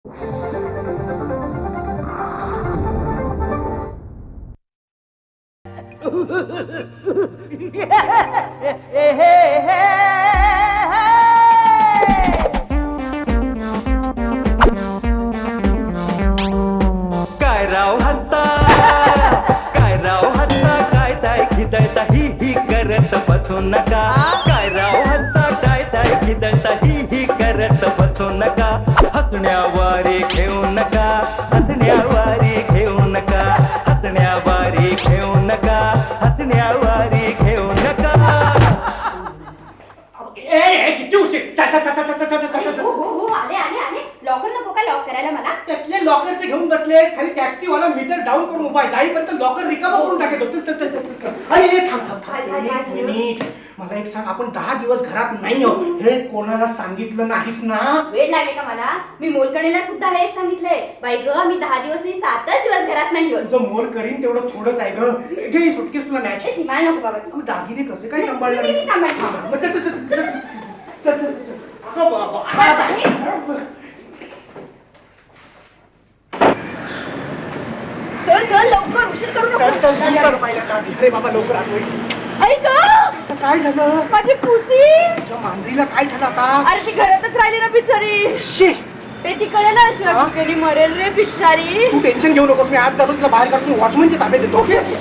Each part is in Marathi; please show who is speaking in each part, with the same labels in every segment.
Speaker 1: काय राव हत्ता काय ताय खिदळता ही करत बसू नका. काय राव हत्ता काय ताय खिदळता ही करत बसू नका. हसण्यावारे घेऊ नका, हसण्यावारे घेऊ नका, हसण्यावारे घेऊ नका, हसण्यावारे घेऊ नका.
Speaker 2: आले लॉकर नको का लॉक करायला मला?
Speaker 3: त्यातले लॉकरचे घेऊन बसलेस, खाली टॅक्सीवाला मीटर डाऊन करून उभा आहे. जाईपर्यंत लॉकर रिकामा करून टाकेल. अरे थांब एक मिनिट. मला एक सांग, आपण 10 दिवस घरात नाही आहोत हे कोणाला सांगितलं नाहीस ना?
Speaker 2: वेळ लागले का मला? मी मोलकणीला सुद्धा हेच सांगितलंय. बाई ग, मी 10 दिवस नाही 7च दिवस घरात नाही आहोत.
Speaker 3: तुझं मोल करीन तेवढं थोडंच आहे ग. घे ही सुटकेस तुला न्यायची.
Speaker 2: सीमाला नको बाबा.
Speaker 3: तू दागिने कसे काय सांभाळणार?
Speaker 2: मी सांभाळते.
Speaker 3: हा, मग चल. अगं बाबा.
Speaker 2: चल लवकर, उशीर करू नको.
Speaker 3: अरे बाबा लवकर आलो.
Speaker 2: आई ग,
Speaker 3: काय झालं?
Speaker 2: माझी पुसी.
Speaker 3: तुझ्या मांजरीला काय झालं आता?
Speaker 2: अरे ती घरातच राहिली ना बिचारी.
Speaker 3: शी,
Speaker 2: ते ती कळलं ना, शिवाजी मरेल रे बिचारी.
Speaker 3: तू टेन्शन घेऊ नकोस. मी आज जातो तिला बाहेर काढून वॉचमनच्या ताब्यात देतो.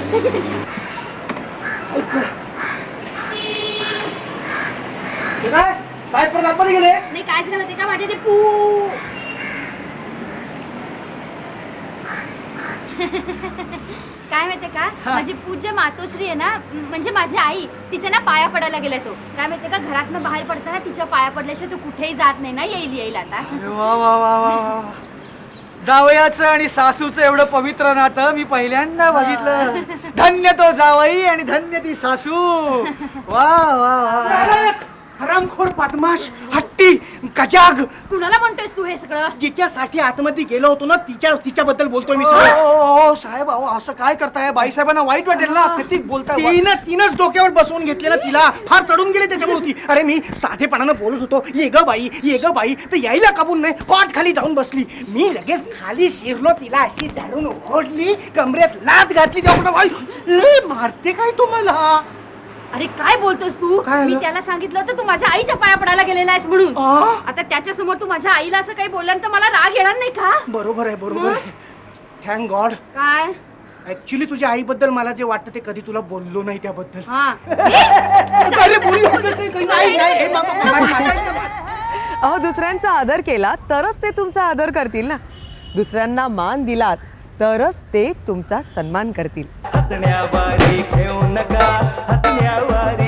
Speaker 3: काय साहेब परत आतमध्ये गेले?
Speaker 2: नाही, काय झालं माहिती का, माझे ते काय माहितीये का, माझी पूज्य मातोश्री आहे ना, म्हणजे माझी आई, तिच्या ना पाया पडायला गेला तो. काय माहितीये का, घरातनं बाहेर पडताना तिच्या पाया पडल्याशिवाय तू कुठेही जात नाही ना. येईल आता.
Speaker 4: वा वा वा वा वा. जावयाचं आणि सासूचं एवढं पवित्र नातं मी पहिल्यांदा बघितलं. धन्य तो जावई आणि धन्य ती सासू. वा वा वा.
Speaker 3: हरामखोर, बदमाश, हट्टी, गजाग.
Speaker 2: कुणाला म्हणतोयस तू हे सगळं?
Speaker 3: जिच्यासाठी आतमध्ये गेलो होतो ना तिच्याबद्दल बोलतोय मी.
Speaker 4: साहेब अहो असं काय करताय? बाईसाहेबांना वाईट वाटेल ना. किती बोलताय?
Speaker 3: तिनंच डोक्यावर बसवून घेतले ना तिला. फार चढून गेले त्याच्यामुळे ती. अरे मी साधेपणानं बोलत होतो, ये ग बाई तर यायला काबून नाही, पाठ खाली जाऊन बसली. मी लगेच खाली शिरलो, तिला अशी धरून ओढली, कमरेत लात घातली. तेव्हा मारते काय तुम्हाला?
Speaker 2: अरे काय बोलतोस तू? मी त्याला सांगितलं होतं तू माझ्या आईच्या पाया पडायला गेलेला आहेस म्हणून. आता त्याच्या समोर तू माझ्या आईला असं काही बोलला तर मला राग येणार नाही का?
Speaker 3: बरोबर आहे. Thank God.
Speaker 2: काय
Speaker 3: ऍक्च्युली तुझ्या आईबद्दल मला जे वाटतं ते कधी तुला बोललो नाही त्याबद्दल.
Speaker 5: अहो, दुसऱ्यांचा आदर केला तरच ते तुमचा आदर करतील ना. दुसऱ्यांना मान दिलात तरच ते तुमचा सन्मान करतील.
Speaker 1: हसण्यावारे घेऊ नका, हसण्यावारे